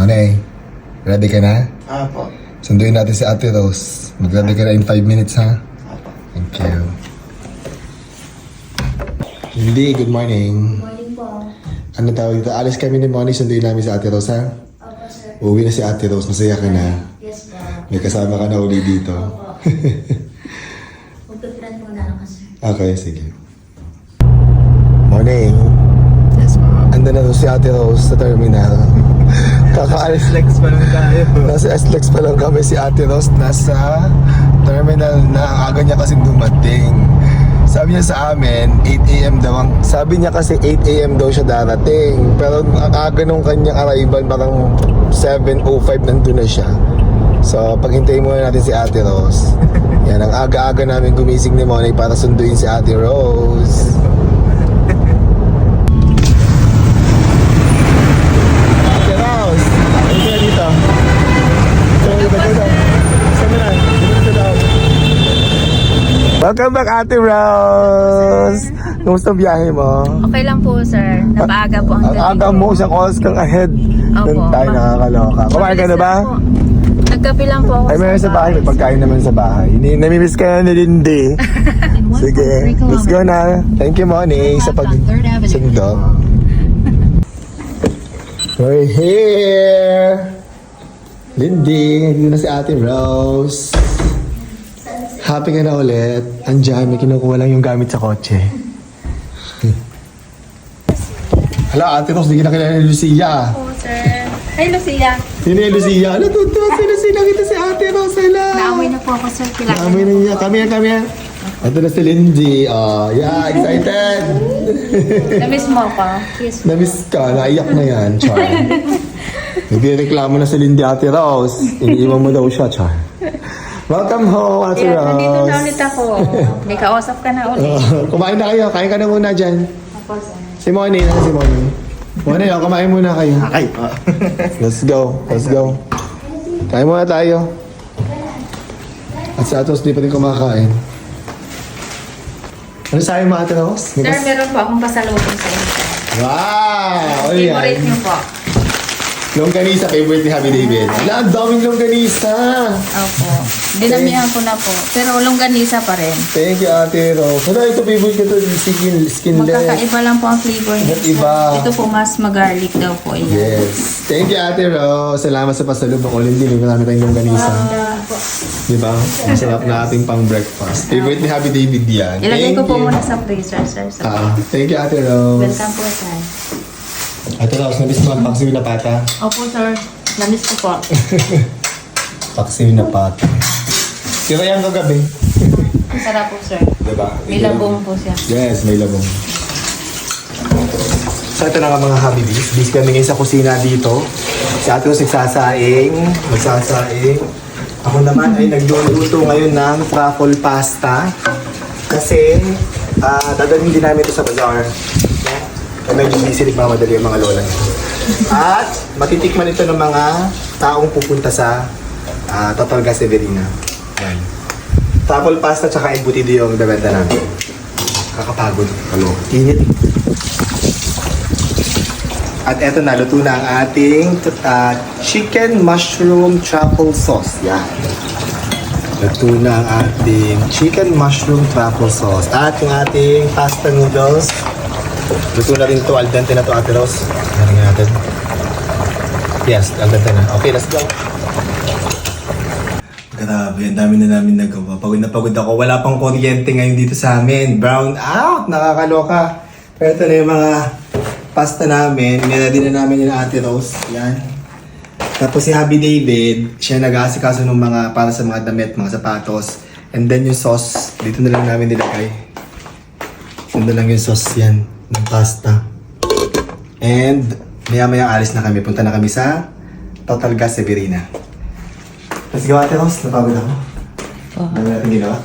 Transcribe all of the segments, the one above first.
Manay, ready ka na? Apo. Sunduin natin si Ate Rose. Mag-ready ka na in 5 minutes, ha? Apo. Thank you. Hindi, good morning. Morning po. Ano tawag dito? Alis kami ni Moni, sunduin namin si Ate Rose, ha? Opo, sir. Uuwi na si Ate Rose, masaya ka na. Yes po. May kasama ka na uli dito. Opo. Magpiprint muna ako, sir. Okay, sige. Morning. Yes, ma'am. Ando na si Ate Rose sa terminal. Kakaalis. Flex pa lang tayo. Nasa SLEX pa lang kami, si Ate Rose nasa terminal na. Aga niya kasing dumating. Sabi niya sa amin, 8 a.m. daw sabi niya kasi 8 a.m. daw siya darating. Pero ang aga nung kanyang arrival, parang 7:05 nandun na siya. So, paghintayin muna natin si Ate Rose. Yan, ang aga-aga namin gumising ni Monay para sunduin si Ate Rose. Ate Rose, ano ka dito? Welcome back, Ate Rose! Kumusta ang biyahe mo? Okay lang po, sir. Napaaga po ang Ang aga mo, isang oras kang ahead. Doon tayo nakakaloka. Kumain ka na ba? Nagkape lang po ako. Ay, meron sa bahay. May pagkain naman sa bahay. Namimiss ka na ni Lindy. Sige, let's go na. Thank you, Moni, sa pagsundo. We're here! Lindy, dito na si Ate Rose. Happy ka na ulit. Andiyan, may kinukuha lang yung gamit sa kotse. Hala, Ate Rose, di ka na kilala ni Lucia. Po, sir. Hi, Lucia. Sino yung Lucia? Ano, tuto? Sino kita si Ate Rose? Hala. Naamoy na po ako, sir. Kilala Naamoy na niya. Come here. Ito na si Lindy. Oh, yeah, excited. Na-miss mo ako? Yes. Namiss ka, naiyak na yan, Char. Nagreklamo na si Lindy, Ate Rose. Iniiwan mo daw siya, Char. Welcome home, Ate Yeah, Rose. nandito na ulit ako. May kausap ka na ulit. Kumain na kayo. Kain ka na muna dyan. Ako, sir. Si Moni. Si Moni. Moni, kumain muna kayo. Okay po. Let's go. Kain muna tayo. At sa Atos, di pa rin kumakain. Ano sa'yo mga Ate Rose? Sir, meron po akong pasalubong sa inyo. Wow! Ano Favorite yan? niyo po. Longganisa, favorite ni Happy David. Wala, ang daming longganisa. Opo. Dinamihan ko na po. Pero longganisa pa rin. Thank you, Ate Rose. Ano, ito favorite ko to, skinless. Magkakaiba lang po ang flavor niya. Ba't iba? Ito po mas mag-garlic daw po. Yan. Yes. Thank you, Ate Rose. Salamat sa pasalubong. Ulit din, marami tayong longganisa. Di ba? Ang sarap na ating pang breakfast. Favorite ni Happy David yan. Ilagay Thank ko po you. muna sa freezer, sir. Thank you, Ate Rose. Welcome po, sir. Ate Rose, nabis mo ang paksiw na pata. Opo, sir. Namiss ko po. Paksiw na pata. Tira yan kagabi. Sarap po, sir. Diba? May labong po siya. Yes, may labong. So ito na nga mga Habibis. Bis kami ngayon sa kusina dito. Si Ate Rose magsasaing. Ako naman ay nagluluto ngayon ng truffle pasta. Kasi dadalhin din namin ito sa bazaar. Kaya medyo busy nagmamadali ang mga lola niya. At matitikman ito ng mga taong pupunta sa Totalga Severina. Ayan. Truffle pasta tsaka embutido yung bebenta namin. Kakapagod. Halo. Init. At eto na, luto na ang ating chicken mushroom truffle sauce. Yan. Luto na ang ating chicken mushroom truffle sauce. At yung ating pasta noodles. Luto na rin to. Al dente na to, Ate Rose. Haringin natin. Yes, al dente na. Okay, let's go. Grabe, ang dami na namin nagawa. Pagod na pagod ako. Wala pang kuryente ngayon dito sa amin. Brown out! Nakakaloka. Pero ito na yung mga pasta namin. Niready na namin yung Ate Rose. Yan. Tapos si Happy David, siya nag-aasikaso ng mga para sa mga damit, mga sapatos. And then yung sauce, dito na lang namin nilagay. Dito na lang yung sauce yan ng pasta. And maya-maya alis na kami. Punta na kami sa Totalga Severina. Let's go, Ate Rose. Napagod ako. Dami natin ginawa.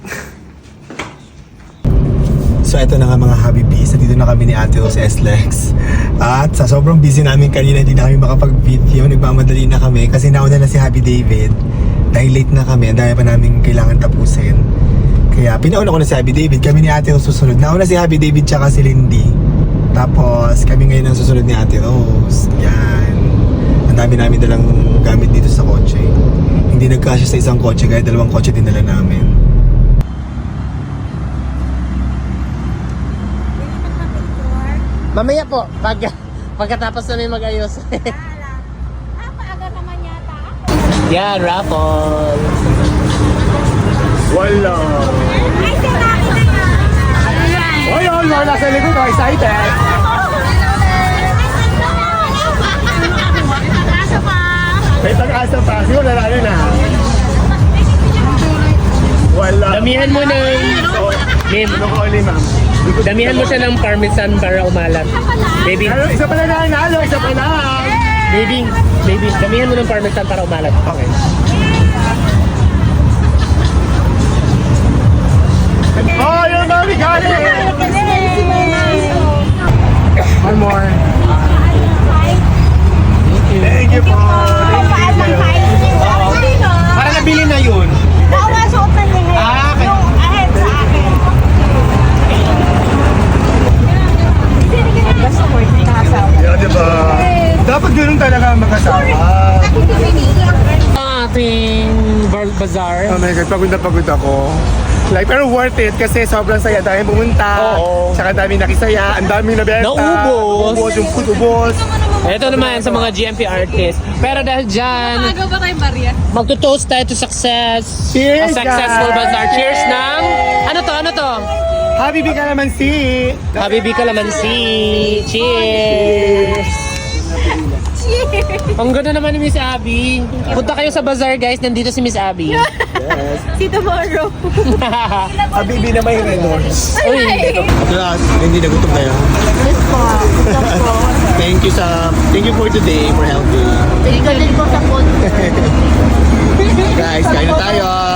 So, ito na nga mga Habibis. Dito na kami ni Ate Rose SLEX. At sa sobrang busy namin kanina, hindi na kami makapag-video. Nagmamadali na kami kasi nauna na si Happy David. Dahil late na kami, ang dami pa namin kailangan tapusin. Kaya pinauna ko na si Happy David. Kami ni Ate Rose susunod. Nauna si Happy David tsaka si Lindy. Tapos kami ngayon ang susunod ni Ate Rose. Yan. Ang dami namin dalang gamit dito sa kotse. Hindi nagkasya sa isang kotse, kaya dalawang kotse dinala namin. Mamaya po, pagkatapos namin mag-ayos. Napaaga naman yata. Yan, raffle. Wala. Ay, sinaki na yan. Oy, oy, nasa likod ko, excited. Kaso pa. May pag-asa pa, siguro na na. Wala. Damihan mo ng... Ma'am, ano ko ulit, ma'am? Damihan mo siya ng parmesan para umalat. Baby. Isa pa lang na, isa pa lang. Baby, damihan mo ng parmesan para umalat. Okay. Oh, your mommy got it! One more. Thank you po. Para nabili na yun. Nakakasuot na niya ngayon. Ah, okay. Yung ahead sa akin. Basta ko yung nakasawa. Yeah, diba? Dapat ganun talaga ang mag-asawa. Ating bazaar. Oh my God, pagod na pagod ako. Like, pero worth it kasi sobrang saya. Daming pumunta. Oo. Tsaka daming nakisaya. Ang daming nabenta. Naubos. Ubos, yung food ubos. Ito naman sa mga GMP artists. Pero dahil dyan, Magawa ba kayong barya? magto-toast tayo to success. Cheers, A successful guys! bazaar. Cheers ng... Ano to? Habibi ka naman si. Habibi Calamansi. Cheers! Ang ganda naman ni Miss Abby. Punta kayo sa bazaar, guys. Nandito si Miss Abby. Si tomorrow. Habibi na may renorts. Uy, Lahat, hindi nagutom kayo. Thank you for today, for helping. Tingnan din ko sa phone. Guys, kain na tayo.